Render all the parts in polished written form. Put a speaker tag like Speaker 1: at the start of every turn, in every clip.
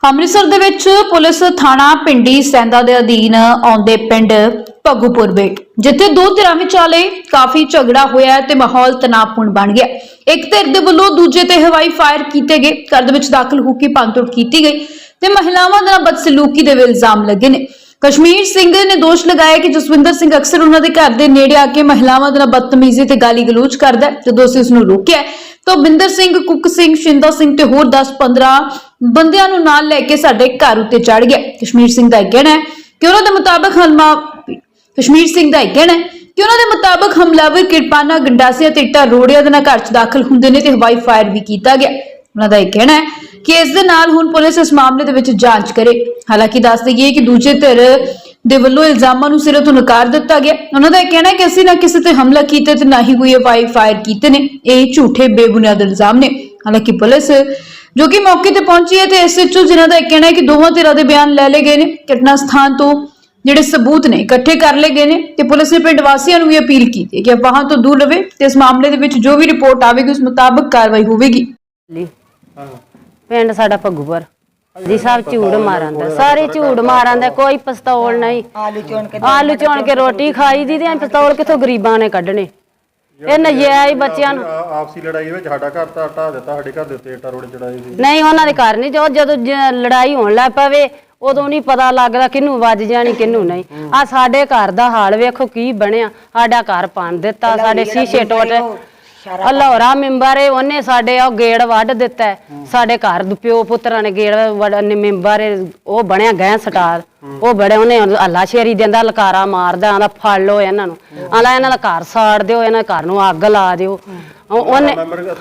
Speaker 1: ਅੰਮ੍ਰਿਤਸਰ ਦੇ ਵਿੱਚ ਪੁਲਿਸ ਥਾਣਾ ਪਿੰਡੀ ਸੈਂਦਾ ਦੇ ਅਧੀਨ ਆਉਂਦੇ ਪਿੰਡ ਭੱਗੂਪੁਰ ਬੇਟ ਜਿੱਥੇ ਦੋ ਧਿਰਾਂ ਵਿਚਾਲੇ ਕਾਫੀ ਝਗੜਾ ਹੋਇਆ ਤੇ ਮਾਹੌਲ ਤਣਾਅਪੂਰਨ ਬਣ ਗਿਆ। ਇੱਕ ਧਿਰ ਦੇ ਵੱਲੋਂ ਦੂਜੇ ਤੇ ਹਵਾਈ ਫਾਇਰ ਕੀਤੇ ਗਏ, ਘਰ ਦੇ ਵਿੱਚ ਦਾਖਲ ਹੋ ਕੇ ਭੰਨਤੋੜ ਕੀਤੀ ਗਈ ਤੇ ਮਹਿਲਾਵਾਂ ਨਾਲ ਬਦਸਲੂਕੀ ਦੇ ਇਲਜ਼ਾਮ ਲੱਗੇ ਨੇ। ਕਸ਼ਮੀਰ ਸਿੰਘ ਨੇ ਦੋਸ਼ ਲਗਾਇਆ ਕਿ ਜਸਵਿੰਦਰ ਸਿੰਘ ਅਕਸਰ ਉਹਨਾਂ ਦੇ ਘਰ ਦੇ ਨੇੜੇ ਆ ਕੇ ਮਹਿਲਾਵਾਂ ਨਾਲ ਬਦਤਮੀਜ਼ੀ ਤੇ ਗਾਲੀ ਗਲੋਚ ਕਰਦਾ ਹੈ। ਜਦੋਂ ਅਸੀਂ ਉਸ ਨੂੰ ਰੋਕਿਆ ਤਾਂ ਬਿੰਦਰ ਸਿੰਘ, ਕੁੱਕ ਸਿੰਘ, ਸ਼ਿੰਦਾ ਸਿੰਘ ਤੇ ਹੋਰ 10-15 ਬੰਦਿਆਂ ਨੂੰ ਨਾਲ ਲੈ ਕੇ ਸਾਡੇ ਘਰ ਉੱਤੇ ਚੜ ਗਿਆ। ਕਸ਼ਮੀਰ ਸਿੰਘ ਦਾ ਕਹਿਣਾ ਹੈ ਕਿ ਉਹਨਾਂ ਦੇ ਮੁਤਾਬਕ ਹਮਲਾਵਰ ਕਿਰਪਾਨਾ, ਗੰਡਾਸੀਆਂ ਤੇ ਇੱਟਾਂ ਰੋੜਿਆਂ ਦੇ ਨਾਲ ਘਰ 'ਚ ਦਾਖਲ ਹੁੰਦੇ ਨੇ ਤੇ ਹਵਾਈ ਫਾਇਰ ਵੀ ਕੀਤਾ ਗਿਆ। ਉਹਨਾਂ ਦਾ ਇਹ ਕਹਿਣਾ ਹੈ ਕਿ ਇਸ ਦੇ ਨਾਲ ਹੁਣ ਪੁਲਿਸ ਇਸ ਮਾਮਲੇ ਦੇ ਵਿੱਚ ਜਾਂਚ ਕਰੇ। ਹਾਲਾਂਕਿ ਦੱਸ ਦਈਏ ਕਿ ਦੂਜੇ ਧਿਰ ਦੇ ਵੱਲੋਂ ਇਲਜ਼ਾਮਾਂ ਨੂੰ ਸਿਰੇ ਤੋਂ ਨਕਾਰ ਦਿੱਤਾ ਗਿਆ। ਉਹਨਾਂ ਦਾ ਇਹ ਕਹਿਣਾ ਹੈ ਕਿ ਅਸੀਂ ਨਾ ਕਿਸੇ ਤੇ ਹਮਲਾ ਕੀਤਾ ਤੇ ਨਾ ਹੀ ਕੋਈ ਹਵਾਈ ਫਾਇਰ ਕੀਤੇ ਨੇ। ਇਹ ਝੂਠੇ ਬੇਬੁਨਿਆਦ ਇਲਜ਼ਾਮ ਨੇ। ਹਾਲਾਂਕਿ ਪੁਲਿਸ ਜੋ ਕਿ ਮੌਕੇ ਤੇ ਪਹੁੰਚੀ ਹੈ ਤੇ ਐਸਐਚਓ ਜਿਨ੍ਹਾਂ ਦਾ ਇਹ ਕਹਿਣਾ ਹੈ ਕਿ ਦੋਵਾਂ ਧਿਰਾਂ ਦੇ ਬਿਆਨ ਲੈ ਲਏ ਗਏ ਨੇ, ਘਟਨਾ ਸਥਾਨ ਤੋਂ ਜਿਹੜੇ ਸਬੂਤ ਨੇ ਇਕੱਠੇ ਕਰ ਲਏ ਗਏ ਨੇ ਤੇ ਪੁਲਿਸ ਨੇ ਪਿੰਡ ਵਾਸੀਆਂ ਨੂੰ ਵੀ ਅਪੀਲ ਕੀਤੀ ਹੈ ਕਿ ਅਫਵਾਹਾਂ ਤੋਂ ਦੂਰ ਰਹੇ ਤੇ ਇਸ ਮਾਮਲੇ ਦੇ ਵਿੱਚ ਜੋ ਵੀ ਰਿਪੋਰਟ ਆਵੇਗੀ ਉਸ ਮੁਤਾਬਕ ਕਾਰਵਾਈ ਹੋਵੇਗੀ।
Speaker 2: ਪਿੰਡ ਸਾਡਾ ਭੱਗੂਪੁਰ ਜੀ, ਸਭ ਝੂਠ ਮਾਰਦਾ, ਸਾਰੇ ਝੂਠ ਮਾਰਦਾ, ਕੋਈ ਪਿਸਤੌਲ ਨਹੀਂ। ਆਲੂ ਚੋਣ ਕੇ ਰੋਟੀ ਖਾਈ ਦੀ ਤੇ ਪਿਸਤੌਲ ਕਿੱਥੋਂ ਗਰੀਬਾਂ ਨੇ ਕੱਢਣੇ। ਇਹ ਨਜਾਇਜ਼ ਬੱਚਿਆਂ ਨੂੰ
Speaker 3: ਆਪਸੀ ਲੜਾਈ ਵਿੱਚ ਸਾਡਾ ਘਰ ਤਾਂ ਢਾਹ ਦਿੱਤਾ, ਸਾਡੇ ਘਰ ਦੇ ਉੱਤੇ ਇੱਟਾਂ ਰੋੜੇ ਚੜਾਏ ਸੀ।
Speaker 2: ਨਹੀਂ, ਉਹਨਾਂ ਦੇ ਘਰ ਨਹੀਂ। ਜਦੋਂ ਲੜਾਈ ਹੋਣ ਲੱਗ ਪਵੇ ਉਦੋਂ ਨਹੀਂ ਪਤਾ ਲੱਗਦਾ ਕਿਹਨੂੰ ਵੱਜ ਜਾਣੀ ਕਿਹਨੂੰ ਨਹੀਂ। ਆ ਸਾਡੇ ਘਰ ਦਾ ਹਾਲ ਵੇਖੋ ਕੀ ਬਣਿਆ। ਸਾਡਾ ਘਰ ਭੰਨ ਦਿੱਤਾ, ਸਾਡੇ ਸ਼ੀਸ਼ੇ ਟੁੱਟ। ਲਾਹੌਰਾ ਮੈਂਬਰ ਏ, ਉਹਨੇ ਸਾਡੇ ਉਹ ਗੇੜ ਵੱਢ ਦਿੱਤਾ। ਸਾਡੇ ਘਰ ਪਿਓ ਪੁੱਤਰਾਂ ਨੇ ਗੇੜ ਮੈਂਬਰ ਉਹ ਬਣਿਆ ਗੈਂ ਸਟਾਰ, ਉਹ ਬੜੇ ਉਹਨੇ ਹੱਲਾ ਸ਼ੇਰੀ ਦਿੰਦਾ, ਲਕਾਰਾ ਮਾਰਦਾ, ਆਂਦਾ ਫੜ ਲਓ ਇਹਨਾਂ ਨੂੰ, ਆਂਦਾ ਇਹਨਾਂ ਦਾ ਘਰ ਸਾੜ ਦਿਓ, ਇਹਨਾਂ ਦੇ ਘਰ ਨੂੰ ਅੱਗ ਲਾ ਦਿਓ। ਉਹਨੇ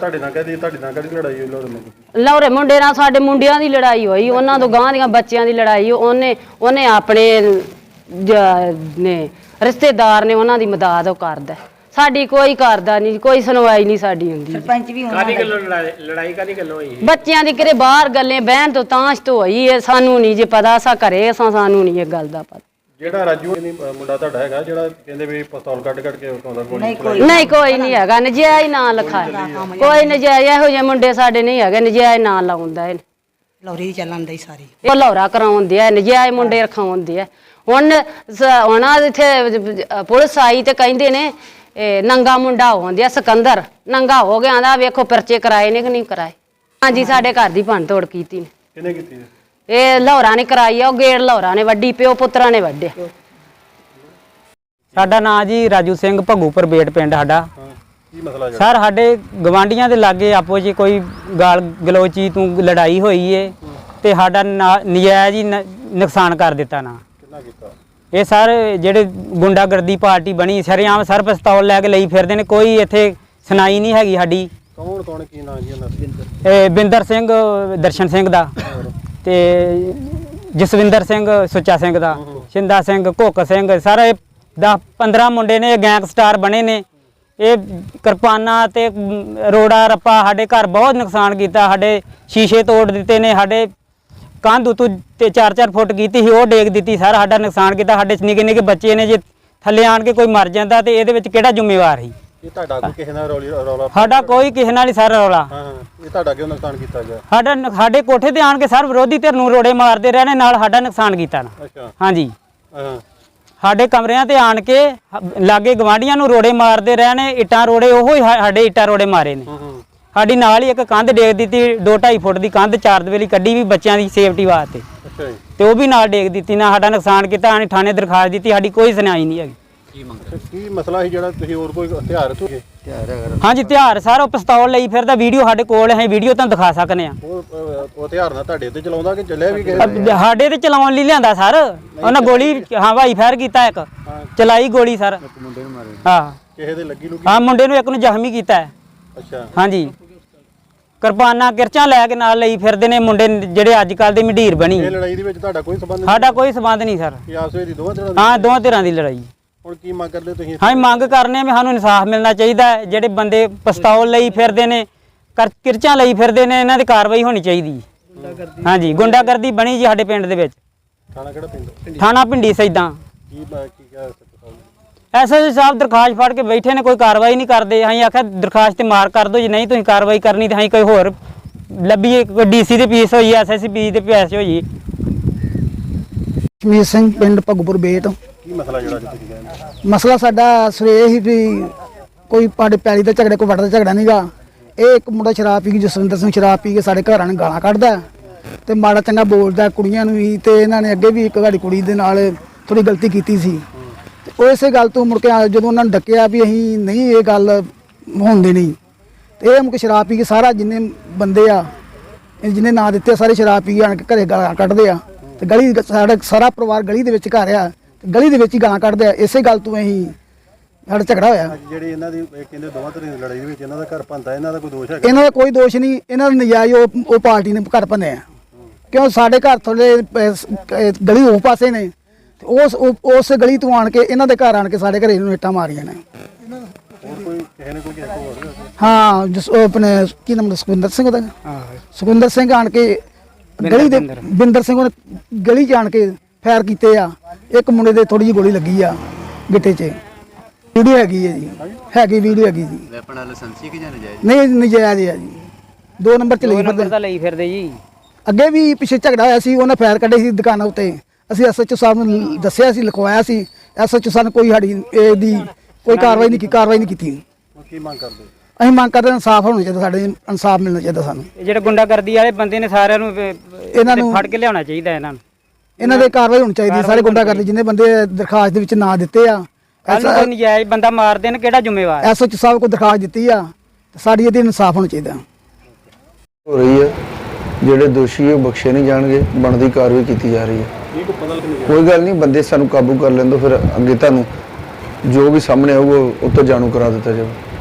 Speaker 2: ਲਾਹੌਰੇ ਮੁੰਡੇ ਨਾਲ ਸਾਡੇ ਮੁੰਡਿਆਂ ਦੀ ਲੜਾਈ ਹੋਈ, ਉਹਨਾਂ ਤੋਂ ਗਾਂ ਦੀਆਂ ਬੱਚਿਆਂ ਦੀ ਲੜਾਈ। ਉਹਨੇ ਆਪਣੇ ਨੇ ਰਿਸ਼ਤੇਦਾਰ ਨੇ ਉਹਨਾਂ ਦੀ ਮਦਦ ਉਹ ਕਰਦਾ। ਸਾਡੀ ਕੋਈ ਕਰਦਾ ਨਹੀਂ, ਕੋਈ ਸੁਣਵਾਈ ਨਹੀਂ ਸਾਡੀ ਹੁੰਦੀ।
Speaker 4: ਸਰਪੰਚ ਵੀ ਕਾਦੀ ਗੱਲੋਂ ਲੜਾਈ ਕਾਦੀ ਗੱਲੋਂ ਹੋਈ?
Speaker 2: ਬੱਚਿਆਂ ਦੀ ਕਿਤੇ ਬਾਹਰ ਗੱਲੇ ਬਹਿਣ ਤੋਂ ਤਾਂਸ਼ ਤੋਂ ਹੋਈ ਹੈ। ਸਾਨੂੰ ਨਹੀਂ ਜੇ ਪਤਾ, ਅਸਾਂ ਘਰੇ ਸਾਨੂੰ ਨਹੀਂ ਇਹ ਗੱਲ ਦਾ ਪਤਾ।
Speaker 3: ਜਿਹੜਾ ਰਾਜੂ ਮੁੰਡਾ ਤੁਹਾਡਾ ਹੈਗਾ ਜਿਹੜਾ ਕਹਿੰਦੇ ਵੀ ਪਿਸਤੌਲ ਕੱਢ ਕੇ ਉਤਾਉਂਦਾ ਗੋਲੀ?
Speaker 2: ਨਹੀਂ, ਕੋਈ ਨਹੀਂ ਹੈਗਾ। ਨਜਾਇਜ਼ ਨਾਂ ਲਿਖਾਇਆ, ਕੋਈ ਨਜਾਇਜ਼ ਇਹੋ ਜਿਹੇ ਮੁੰਡੇ ਸਾਡੇ ਨਹੀਂ ਹੈਗੇ। ਨਜਾਇਜ਼ ਨਾਂ ਲਾਉਂਦਾ ਇਹ
Speaker 4: ਲੌਰੀ ਚੱਲਣ ਦੀ ਸਾਰੀ
Speaker 2: ਉਹ ਲੌਰਾ ਕਰਾਉਂਦੇ ਆ, ਨਜਾਇਜ਼ ਮੁੰਡੇ ਰਖਾਉਂਦੇ ਆ। ਹੁਣ ਇੱਥੇ ਪੁਲਿਸ ਆਈ ਤੇ ਕਹਿੰਦੇ ਨੇ ਨੰਗਾ ਮੁੰਡਾ ਹੋਉਂਦਿਆ, ਸਿਕੰਦਰ ਨੰਗਾ ਹੋ ਗਿਆ। ਆਂਦਾ ਵੇਖੋ ਪਰਚੇ ਕਰਾਏ ਨੇ ਕਿ ਨਹੀਂ ਕਰਾਏ। ਹਾਂਜੀ, ਸਾਡੇ ਘਰ ਦੀ ਭੰਨ ਤੋੜ ਕੀਤੀ ਨੇ।
Speaker 3: ਕਿਹਨੇ ਕੀਤੀ?
Speaker 2: ਇਹ ਲਾਹੌਰਾ ਨੇ ਕਰਾਈ ਆ, ਉਹ ਗੇੜ ਲਾਹੌਰਾ ਨੇ ਵੱਡੀ, ਪਿਓ ਪੁੱਤਰਾਂ ਨੇ ਵੱਡੇ।
Speaker 5: ਸਾਡਾ ਨਾਂ ਜੀ ਰਾਜੂ ਸਿੰਘ, ਭੱਗੂਪੁਰ ਬੇਟ ਪਿੰਡ ਸਾਡਾ।
Speaker 3: ਕੀ ਮਸਲਾ ਜੀ?
Speaker 5: ਸਰ ਸਾਡੇ ਗਵਾਂਢੀਆਂ ਦੇ ਲਾਗੇ ਆਪੋ ਜੀ ਕੋਈ ਗਾਲ ਗਲੋਚੀ ਤੂੰ ਲੜਾਈ ਹੋਈ ਏ ਤੇ ਸਾਡਾ ਨਜਾਇਜ਼ ਹੀ ਨੁਕਸਾਨ ਕਰ ਦਿੱਤਾ ਨਾ।
Speaker 3: ਕਿੰਨਾ ਕੀਤਾ
Speaker 5: ਇਹ ਸਰ ਜਿਹੜੇ ਗੁੰਡਾਗਰਦੀ ਪਾਰਟੀ ਬਣੀ ਸ਼ਰੇਆਮ ਸਰ ਪਿਸਤੌਲ ਲੈ ਕੇ ਲਈ ਫਿਰਦੇ ਨੇ, ਕੋਈ ਇੱਥੇ ਸੁਣਾਈ ਨਹੀਂ ਹੈਗੀ ਸਾਡੀ।
Speaker 3: ਕੌਣ ਕੀ ਨਾਂ ਜੀ ਉਹਨਾਂ ਦਾ?
Speaker 5: ਇਹ ਬਿੰਦਰ ਸਿੰਘ, ਦਰਸ਼ਨ ਸਿੰਘ ਦਾ ਤੇ ਜਸਵਿੰਦਰ ਸਿੰਘ, ਸੁੱਚਾ ਸਿੰਘ ਦਾ, ਸ਼ਿੰਦਾ ਸਿੰਘ, ਕੁੱਕ ਸਿੰਘ, ਸਾਰੇ 10-15 ਮੁੰਡੇ ਨੇ। ਗੈਂਗਸਟਰ ਬਣੇ ਨੇ। ਇਹ ਕਿਰਪਾਨਾਂ ਤੇ ਰੋੜਾ ਰੱਪਾ ਸਾਡੇ ਘਰ ਬਹੁਤ ਨੁਕਸਾਨ ਕੀਤਾ। ਸਾਡੇ ਸ਼ੀਸ਼ੇ ਤੋੜ ਦਿੱਤੇ ਨੇ, ਸਾਡੇ ਕੰਧ ਉਤੋਂ ਤੇ 4-4 ਫੁੱਟ ਕੀਤੀ ਸੀ ਉਹ ਡੇਗ ਦਿੱਤੀ। ਸਾਰਾ ਸਾਡਾ ਨੁਕਸਾਨ ਕੀਤਾ। ਸਾਡੇ ਨਿੱਕੇ ਬੱਚੇ ਨੇ, ਜੇ ਥੱਲੇ ਆਣ ਕੇ ਕੋਈ ਮਰ ਜਾਂਦਾ ਤੇ ਇਹਦੇ ਵਿੱਚ ਕਿਹੜਾ ਜ਼ਿੰਮੇਵਾਰ ਸੀ?
Speaker 3: ਇਹ ਤੁਹਾਡਾ ਕੋਈ ਕਿਸੇ ਨਾਲ ਰੌਲਾ?
Speaker 5: ਸਾਡਾ ਕੋਈ ਕਿਸੇ ਨਾਲ ਨਹੀਂ ਸਰ ਰੌਲਾ।
Speaker 3: ਇਹ ਤੁਹਾਡਾ ਕਿਉਂ ਨੁਕਸਾਨ ਕੀਤਾ ਗਿਆ?
Speaker 5: ਸਾਡੇ ਕੋਠੇ ਤੇ ਆਣ ਕੇ ਸਰ ਵਿਰੋਧੀ ਧਿਰ ਨੂੰ ਰੋੜੇ ਮਾਰਦੇ ਰਹੇ ਨੇ, ਨਾਲ ਸਾਡਾ ਨੁਕਸਾਨ ਕੀਤਾ ਨਾ।
Speaker 3: ਅੱਛਾ,
Speaker 5: ਹਾਂਜੀ, ਸਾਡੇ ਕਮਰਿਆਂ ਤੇ ਆਣ ਕੇ ਲਾਗੇ ਗਵਾਂਢੀਆਂ ਨੂੰ ਰੋੜੇ ਮਾਰਦੇ ਰਹੇ ਨੇ, ਇੱਟਾਂ ਰੋੜੇ। ਉਹੋ ਹੀ ਸਾਡੇ ਇੱਟਾਂ ਰੋੜੇ ਮਾਰੇ ਨੇ। ਸਾਡੀ ਨਾਲ ਹੀ ਇੱਕ ਕੰਧ ਡੇਗ ਦਿੱਤੀ, 2-2.5 ਫੁੱਟ ਦੀ ਕੰਧ 4 ਦਵੇਲੀ ਕੱਢੀ ਵੀ ਬੱਚਿਆਂ ਦੀ ਸੇਫਟੀ ਵਾਸਤੇ।
Speaker 3: ਅੱਛਾ ਜੀ,
Speaker 5: ਤੇ ਉਹ ਵੀ ਨਾਲ ਡੇਗ ਦਿੱਤੀ ਨਾ। ਸਾਡਾ ਨੁਕਸਾਨ ਕੀਤਾ। ਆਣੇ ਥਾਣੇ ਦਰਖਾਸਤ ਦਿੱਤੀ, ਸਾਡੀ ਕੋਈ ਸੁਣਾਈ ਨਹੀਂ ਹੈਗੀ।
Speaker 3: ਕੀ ਮਸਲਾ ਸੀ ਜਿਹੜਾ ਤੁਸੀਂ ਹੋਰ ਕੋਈ ਹਥਿਆਰ ਤੋਂ?
Speaker 5: ਹਾਂਜੀ, ਹਥਿਆਰ ਸਰ ਉਹ ਪਿਸਤੌਲ ਲਈ ਫਿਰਦਾ। ਵੀਡੀਓ ਸਾਡੇ ਕੋਲ ਹੈ, ਵੀਡੀਓ ਤੁਹਾਨੂੰ ਦਿਖਾ ਸਕਨੇ ਆ।
Speaker 3: ਉਹ ਹਥਿਆਰ ਨਾਲ ਤੁਹਾਡੇ ਤੇ ਚਲਾਉਂਦਾ ਕਿ ਚੱਲਿਆ ਵੀ ਕਿਸੇ?
Speaker 5: ਸਾਡੇ ਤੇ ਚਲਾਉਣ ਲਈ ਲਿਆਂਦਾ ਸਰ। ਉਹਨਾਂ ਗੋਲੀ ਹਵਾਈ ਫਾਇਰ ਕੀਤਾ, ਇੱਕ ਚਲਾਈ ਗੋਲੀ ਸਰ। ਹਾਂ,
Speaker 3: ਕਿਸੇ ਦੇ ਲੱਗੀ ਲੁੱਗੀ?
Speaker 5: ਹਾਂ, ਮੁੰਡੇ ਨੂੰ ਇੱਕ ਨੂੰ ਜ਼ਖਮੀ ਕੀਤਾ ਹੈ।
Speaker 3: ਅੱਛਾ,
Speaker 5: ਹਾਂਜੀ, ਕਿਰਪਾਨਾਂ ਕਿਰਚਾਂ ਲੈ ਕੇ ਨਾਲ ਲਈ ਫਿਰਦੇ ਨੇ ਮੁੰਡੇ ਜਿਹੜੇ ਅੱਜ ਕੱਲ ਦੇ ਮੰਡੀਰ ਬਣੀ।
Speaker 3: ਇਹ ਲੜਾਈ ਦੇ ਵਿੱਚ ਤੁਹਾਡਾ ਕੋਈ ਸੰਬੰਧ ਨਹੀਂ?
Speaker 5: ਸਾਡਾ ਕੋਈ ਸੰਬੰਧ ਨਹੀਂ ਸਰ।
Speaker 3: ਇਹ ਆਪਸ ਵਿੱਚ ਦੋਵਾਂ ਧਿਰਾਂ ਦੀ?
Speaker 5: ਹਾਂ, ਦੋਵਾਂ ਧਿਰਾਂ ਦੀ ਲੜਾਈ।
Speaker 3: ਹੁਣ ਕੀ ਮੰਗ ਕਰਦੇ ਤੁਸੀਂ?
Speaker 5: ਹਾਂ, ਮੰਗ ਕਰਨੇ ਵੀ ਸਾਨੂੰ ਇਨਸਾਫ ਮਿਲਣਾ ਚਾਹੀਦਾ ਹੈ। ਜਿਹੜੇ ਬੰਦੇ ਪਿਸਤੌਲ ਲਈ ਫਿਰਦੇ ਨੇ, ਕਿਰਚਾਂ ਲਈ ਫਿਰਦੇ ਨੇ, ਇਹਨਾਂ ਦੀ ਕਾਰਵਾਈ ਹੋਣੀ ਚਾਹੀਦੀ। ਹਾਂਜੀ, ਗੁੰਡਾਗਰਦੀ ਬਣੀ ਜੀ ਸਾਡੇ ਪਿੰਡ ਦੇ ਵਿੱਚ।
Speaker 3: ਥਾਣਾ ਕਿਹੜਾ ਪਿੰਡ?
Speaker 5: ਥਾਣਾ ਪਿੰਡੀ ਸੈਦਾਂ।
Speaker 3: ਕੀ ਕਿਹਾ?
Speaker 5: ਐਸਐਸਪੀ ਸਾਹਿਬ ਦਰਖਾਸਤ ਫੜ ਕੇ ਬੈਠੇ ਨੇ, ਕੋਈ ਕਾਰਵਾਈ ਨਹੀਂ ਕਰਦੇ। ਅਸੀਂ ਆਖਿਆ ਦਰਖਾਸਤ ਤੇ ਮਾਰ ਕਰ ਦਿਓ, ਜੇ ਨਹੀਂ ਤੁਸੀਂ ਕਾਰਵਾਈ ਕਰਨੀ ਤਾਂ ਅਸੀਂ ਕੋਈ ਹੋਰ ਲੱਭੀ ਕੋਈ ਡੀਸੀ ਦੀ ਪੀਸ ਹੋਈ ਐਸਐਸਸੀ ਪੀਸ ਦੇ ਪੈਸੇ ਹੋਈ।
Speaker 6: ਕਸ਼ਮੀਰ ਸਿੰਘ ਪਿੰਡ ਭਗਪੁਰ ਬੇਟ।
Speaker 3: ਕੀ ਮਸਲਾ ਜਿਹੜਾ ਅੱਜ ਤੁਸੀਂ ਕਹਿੰਦੇ?
Speaker 6: ਮਸਲਾ ਸਾਡਾ ਸਵੇਰੇ ਹੀ ਵੀ ਕੋਈ ਸਾਡੇ ਪੈਲੀ ਦਾ ਝਗੜੇ ਕੋਈ ਵੱਟ ਦਾ ਝਗੜਾ ਨਹੀਂਗਾ। ਇਹ ਇੱਕ ਮੁੰਡਾ ਸ਼ਰਾਬ ਪੀ ਕੇ ਜਸਵਿੰਦਰ ਸਿੰਘ ਸ਼ਰਾਬ ਪੀ ਕੇ ਸਾਡੇ ਘਰਾਂ ਨੂੰ ਗਾਲਾਂ ਕੱਢਦਾ ਤੇ ਮਾੜਾ ਚੰਗਾ ਬੋਲਦਾ ਕੁੜੀਆਂ ਨੂੰ ਵੀ, ਤੇ ਇਹਨਾਂ ਨੇ ਅੱਗੇ ਵੀ ਇੱਕ ਸਾਡੀ ਕੁੜੀ ਦੇ ਨਾਲ ਥੋੜੀ ਗਲਤੀ ਕੀਤੀ ਸੀ ਤੇ ਉਹ ਇਸੇ ਗੱਲ ਤੋਂ ਮੁੜ ਕੇ ਜਦੋਂ ਉਹਨਾਂ ਨੂੰ ਡੱਕਿਆ ਵੀ ਅਸੀਂ ਨਹੀਂ ਇਹ ਗੱਲ ਹੋਣ ਦੇਣੀ ਤੇ ਇਹ ਮੁੜ ਕੇ ਸ਼ਰਾਬ ਪੀ ਕੇ ਸਾਰਾ ਜਿੰਨੇ ਬੰਦੇ ਆ ਜਿਹਨੇ ਨਾਂ ਦਿੱਤੇ ਸਾਰੇ ਸ਼ਰਾਬ ਪੀ ਕੇ ਆਣ ਕੇ ਘਰੇ ਗਾਲਾਂ ਕੱਢਦੇ ਆ ਤੇ ਗਲੀ ਸਾਡਾ ਸਾਰਾ ਪਰਿਵਾਰ ਗਲੀ ਦੇ ਵਿੱਚ ਘਰ ਆ ਤੇ ਗਲੀ ਦੇ ਵਿੱਚ ਹੀ ਗਾਲਾਂ ਕੱਢਦੇ ਆ। ਇਸੇ ਗੱਲ ਤੋਂ ਅਸੀਂ ਸਾਡਾ ਝਗੜਾ ਹੋਇਆ।
Speaker 3: ਅੱਜ ਜਿਹੜੀ ਇਹਨਾਂ ਦੀ ਇਹ ਕਹਿੰਦੇ ਦੋਵਾਂ ਧਿਰਾਂ ਦੀ ਲੜਾਈ ਦੇ ਵਿੱਚ ਇਹਨਾਂ ਦਾ ਘਰ ਭੰਨਦਾ, ਇਹਨਾਂ ਦਾ ਕੋਈ ਦੋਸ਼ ਹੈਗਾ?
Speaker 6: ਇਹਨਾਂ ਦਾ ਕੋਈ ਦੋਸ਼ ਨਹੀਂ, ਇਹਨਾਂ ਦਾ ਨਜਾਇਜ਼ ਉਹ ਪਾਰਟੀ ਨੇ ਘਰ ਭੰਨਿਆ ਕਿਉਂ ਸਾਡੇ ਘਰ ਥੋੜੇ ਗਲੀ ਉਹ ਪਾਸੇ ਨੇ ਤੇ ਉਸ ਗਲੀ ਤੋਂ ਆਣ ਕੇ ਇਹਨਾਂ ਦੇ ਘਰ ਆਣ ਕੇ ਸਾਡੇ ਘਰੇ ਨੂੰ ਇੱਟਾਂ ਮਾਰੀਆਂ ਨੇ।
Speaker 3: ਹੋਰ ਕੋਈ ਕਿਸੇ ਨੇ ਕੋਈ ਕਿਸੇ ਕੋਲ ਹੋਰ ਗਿਆ?
Speaker 6: ਹਾਂ ਉਹ ਆਪਣੇ ਕੀ ਨਾਮ ਸੁਖਵਿੰਦਰ ਸਿੰਘ ਉਹਦਾ? ਸੁਖਵਿੰਦਰ ਸਿੰਘ ਆਣ ਕੇ ਗਲੀ ਦੇ ਬਿੰਦਰ ਸਿੰਘ ਉਹਨੇ ਗਲੀ 'ਚ ਆਣ ਕੇ ਫਾਇਰ ਕੀਤੇ ਆ। ਇੱਕ ਮੁੰਡੇ ਦੇ ਥੋੜੀ ਜਿਹੀ ਗੋਲੀ ਲੱਗੀ ਆ ਗਿੱਟੇ 'ਚ। ਵੀਡੀਓ ਹੈਗੀ ਹੈ ਜੀ, ਹੈਗੀ ਵੀਡੀਓ ਹੈਗੀ ਜੀ।
Speaker 7: ਵੈਪਨ ਲਾਇਸੈਂਸੀ ਕਿ ਜਾਂ ਨਜਾਇਜ਼?
Speaker 6: ਨਹੀਂ ਨਜਾਇਜ਼ ਆ ਜੀ, 2 ਨੰਬਰ 'ਚ ਲਈ ਫਿਰਦੇ।
Speaker 5: ਤਾਂ ਲਈ ਫਿਰਦੇ ਜੀ।
Speaker 6: ਅੱਗੇ ਵੀ ਪਿੱਛੇ ਝਗੜਾ ਹੋਇਆ ਸੀ, ਉਹਨੇ ਫਾਇਰ ਕੱਢੇ ਸੀ ਦੁਕਾਨਾਂ ਉੱਤੇ। ਅਸੀਂ ਐਸਐਚਓ ਸਾਹਿਬ ਨੂੰ ਦੱਸਿਆ ਸੀ, ਲਿਖਵਾਇਆ ਸੀ। ਐਸਐਚਓ ਸਾਹਿਬ ਨੇ ਕੋਈ ਸਾਡੀ ਇਹਦੀ ਕੋਈ ਕਾਰਵਾਈ ਨਹੀਂ ਕੀਤੀ।
Speaker 3: ਹੁਣ ਕੀ ਮੰਗ ਕਰਦੇ?
Speaker 6: ਅਸੀਂ ਮੰਗ ਕਰਦੇ ਹਾਂ ਇਨਸਾਫ ਹੋਣਾ ਚਾਹੀਦਾ, ਸਾਡੇ ਇਨਸਾਫ ਮਿਲਣਾ ਚਾਹੀਦਾ ਸਾਨੂੰ।
Speaker 5: ਇਹ ਜਿਹੜੇ ਗੁੰਡਾਗਰਦੀ ਵਾਲੇ ਬੰਦੇ ਨੇ ਸਾਰਿਆਂ ਨੂੰ
Speaker 6: ਇਹਨਾਂ ਨੂੰ
Speaker 5: ਫੜ ਕੇ ਲਿਆਉਣਾ ਚਾਹੀਦਾ
Speaker 6: ਇਹਨਾਂ ਦੇ ਕਾਰਵਾਈ ਹੋਣੀ ਚਾਹੀਦੀ। ਸਾਰੇ ਗੁੰਡਾਗਰਦੀ ਜਿੰਨੇ ਬੰਦੇ ਦਰਖਾਸਤ ਦੇ ਵਿੱਚ ਨਾਂ ਦਿੱਤੇ ਆ,
Speaker 5: ਕੋਈ ਨਜਾਇਜ਼ ਬੰਦਾ ਮਾਰ ਦੇਣ ਕਿਹੜਾ ਜ਼ਿੰਮੇਵਾਰ?
Speaker 6: ਐਸਐਚਓ ਸਾਹਿਬ ਕੋਲ ਦਰਖਾਸਤ ਦਿੱਤੀ ਆ, ਸਾਡੀ ਇਹਦੀ ਇਨਸਾਫ ਹੋਣਾ ਚਾਹੀਦਾ।
Speaker 8: ਹੋ ਰਹੀ ਹੈ, ਜਿਹੜੇ ਦੋਸ਼ੀ ਉਹ ਬਖਸ਼ੇ ਨਹੀਂ ਜਾਣਗੇ, ਬਣਦੀ ਕਾਰਵਾਈ ਕੀਤੀ ਜਾ ਰਹੀ ਹੈ।
Speaker 3: ਇਹ ਕੋਈ ਪਤਾ ਨਹੀਂ?
Speaker 8: ਕੋਈ ਗੱਲ ਨਹੀਂ, ਬੰਦੇ ਸਾਨੂੰ ਕਾਬੂ ਕਰ ਲੈਣ ਦਿਓ, ਫਿਰ ਅੱਗੇ ਤੁਹਾਨੂੰ ਜੋ ਵੀ ਸਾਹਮਣੇ ਆਊਗਾ ਉਹ ਤੋਂ ਜਾਣੂ ਕਰਾ ਦਿੱਤਾ ਜਾਊਗਾ।